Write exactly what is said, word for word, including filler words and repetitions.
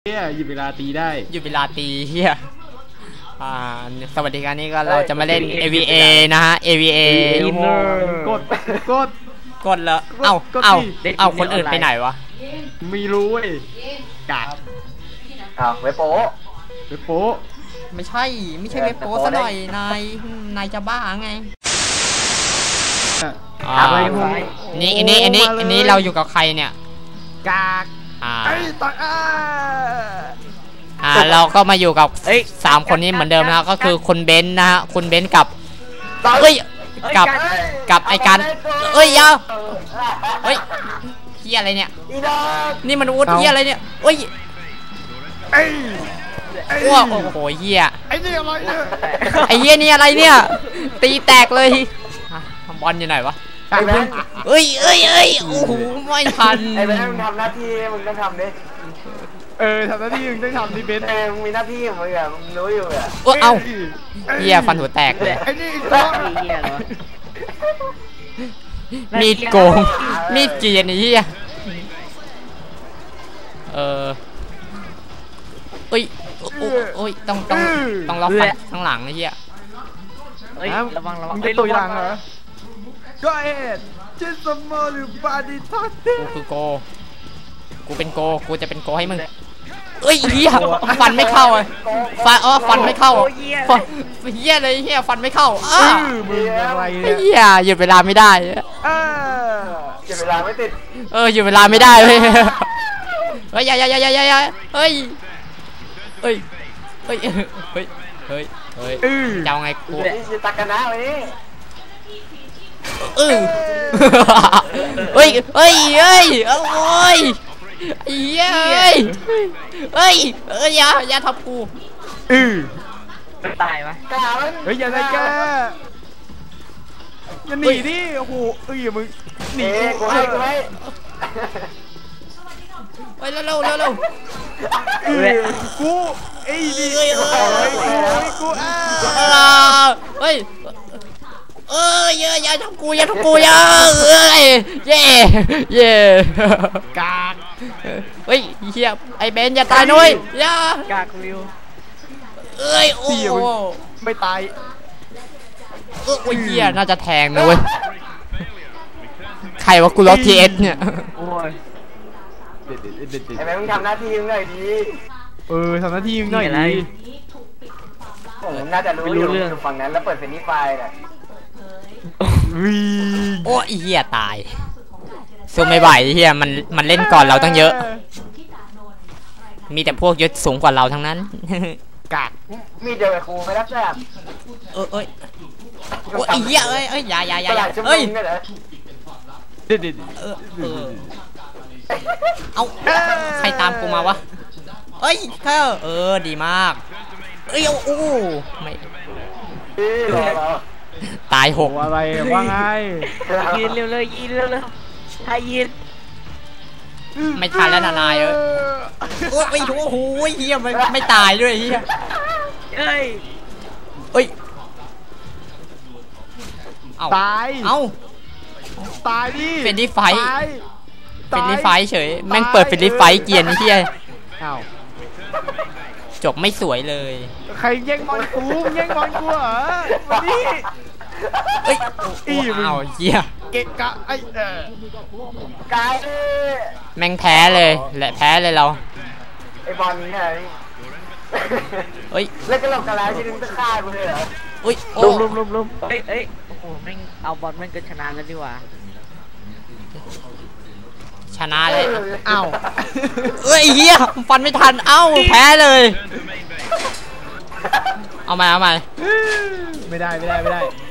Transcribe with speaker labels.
Speaker 1: เฮียหยุดเวลาตีได้
Speaker 2: หยุดเวลาตีเฮียอ่าสวัสดีครับนี่ก็เราจะมาเล่น เอ วี เอ นะฮะ เอ วี เอ
Speaker 1: กดกด
Speaker 2: กดแล้วเอ้าเอ้าเอ้าคนอื่นไปไหนวะ
Speaker 1: ไม่รู้เว้ยกาด
Speaker 3: อ้าวเว็บโป๊
Speaker 1: เว็บโป๊
Speaker 2: ไม่ใช่ไม่ใช่เว็บโป๊ซะหน่อยนายนายจะบ้าไงอ่านี่อันนี้อันนี้อันนี้เราอยู่กับใครเนี่ย
Speaker 1: กาก
Speaker 2: อ่า
Speaker 1: ต่อย
Speaker 2: อ่าเราก็มาอยู่กับสามคนนี้เหมือนเดิมนะก็คือคุณเบนซ์นะฮะคุณเบนซ์กับเฮ้ยกับกับไอการเอ้ยยาเฮ้ยเฮียอะไรเนี่ยนี่มันวุฒิเฮียอะไรเนี่ยเฮ้ยว้าวโอ้โหเฮีย
Speaker 1: ไอ้นี่อะไรเนี่ย
Speaker 2: ไอ้เฮียนี่อะไรเนี่ยตีแตกเลยบอลอยู่ไหนวะเอ้ยเอ้ยเอ้ยโอ้โหไม่ทัน
Speaker 3: ไอ้เบนมึงทำหน้าที่มึงต้องทำดิ
Speaker 1: เออทำหน้าที่มึงต้องทำดิเบน
Speaker 3: เออมึงมีหน้าที่มึงอะมึงรู้อยู่อะ
Speaker 2: เออเอาเฮียฟันหัวแตกเลย
Speaker 1: ไอ้นี่ตัว
Speaker 4: เฮียเหรอ
Speaker 2: มีดโกงมีดเกียร์นี่เฮียเออเอ้ยโอ้ยต้องต้องต้องล็อกฟันข้างหลังไอ้เฮีย
Speaker 4: เฮ้ยระวังระวัง
Speaker 1: เป็นตัวอย่างเหรอก็เอ็ดจิสมอลบาดิทัตเต้
Speaker 2: กูคือโกกูเป็นโกกูจะเป็นโกให้มึงเอ้ยเฮียฟันไม่เข้าเลยฟันอ๋อฟันไม่เข้าฟันเฮียเลยเฮียฟันไม่เข้าอ้า
Speaker 1: มึงอะไร
Speaker 2: เฮียหยุดเวลาไม่ได้
Speaker 3: เออหยุดเวลาไม่ติด
Speaker 2: เออหยุดเวลาไม่ได้เลยเฮ้ยอย่าอย่าอย่าอย่าอย่าเฮ้ยเฮ้ยเฮ้ยเฮ้ยเฮ้ยเฮ้ยจะเอาไงกู
Speaker 3: ตักกันนะวันนี้
Speaker 2: เออเฮ้ยเฮ้ยเฮ้ยโอ้ยเฮ้ยเฮ้ยเฮ้ยอย่าอย่าทับกู
Speaker 1: อือ
Speaker 4: ตายวะ
Speaker 1: เฮ้ยอย่าได้แกอย่าหนีดิโอ้โหเอ้ยมึงหนี
Speaker 3: กูให้กูให้
Speaker 2: ไปเร็วเร็วเร็วเร็ว
Speaker 1: กูไอ้ดิ
Speaker 2: เฮ้ย
Speaker 1: กูอ่ะ
Speaker 2: เฮ้ยเอ้ยอย่าทำกูอย่าทำกูอย่าเอ้ยเย่เย่
Speaker 1: กาก
Speaker 2: เฮ้ยเฮียไอ้เบนอย่าตายนุ้ยอย่าก
Speaker 4: ากริว
Speaker 2: เอ้ยโอ้
Speaker 1: ไม่ตาย
Speaker 2: เออโอ้ยเฮียน่าจะแทงนะเว้ยใครวะกูล็อกทีเอสเนี่ย
Speaker 4: โอ้ย
Speaker 3: ไอ้แม่มึงทำหน้าที่มึงหน่อยดี
Speaker 1: เออทำหน้าที่มึงหน่อยดี
Speaker 3: ผมน่าจะรู้อยู่ฝั่งนั้นแล้วเปิดเฟรนนี่ไฟล์น่ะ
Speaker 2: โอ้ยเฮียตายสู้ไม่ไหวเฮียมันมันเล่นก่อนเราตั้งเยอะมีแต่พวกยศสูงกว่าเราทั้งนั้น
Speaker 1: กาก
Speaker 3: มีเดียวกับครูไม่รับแซ่บ
Speaker 2: เออเอ้ยโอ้ยเฮียเอ้ยเอ้ยอย่าอย่าอย่าเอ้ย
Speaker 1: เด็ดเด็ด
Speaker 2: เออเออเอาใครตามกูมาวะเอ้ยเธอเออดีมากเอ้ยโอ้ไม่ตายหก
Speaker 1: อะไรว่าไง
Speaker 4: ยืนเร็วเลยยืนเร็วเลยให้ยืน
Speaker 2: ไม่ทันแล้วนายเออโอ้ยโอ้โหเฮียไม่ไม่ตายด้วยเฮีย
Speaker 4: เอ้ย
Speaker 2: เอ้ย
Speaker 1: ตาย
Speaker 2: เอ้า
Speaker 1: ตายดิ
Speaker 2: เป็นดิไฟเป็นดิไฟเฉยแม่งเปิดเป็นดิไฟเกียร์นี่เฮีย
Speaker 1: อ้าว
Speaker 2: จบไม่สวยเลย
Speaker 1: ใครแย่งบอลกูแย่งบอลกูเหรอมาดิ
Speaker 2: เอ้ยอีอ้าวเฮีย
Speaker 1: เกะกะไอ้เอ
Speaker 3: อกาย
Speaker 2: แม่งแพ้เลยแหละแพ้เลยเรา
Speaker 3: ไอ้บอลนี้ไง
Speaker 2: เฮ้ย
Speaker 3: แล้วก็หลอกกันแล้วที่นึงจะฆ่ากูเลยเหรอ
Speaker 2: อุ้ย
Speaker 4: ลุมลุมลุมลุมเอ้ยเอ้ยโอ้โหแม่งเอาบอลแม่งก็ชนะแล้วดีกว่า
Speaker 2: ชนะเลยเอ้าเอ้ยเฮียฟันไม่ทันเอ้าแพ้เลยเอาใหม่เอาใหม่
Speaker 1: ไม่ได้ไม่ได้ไม่ได้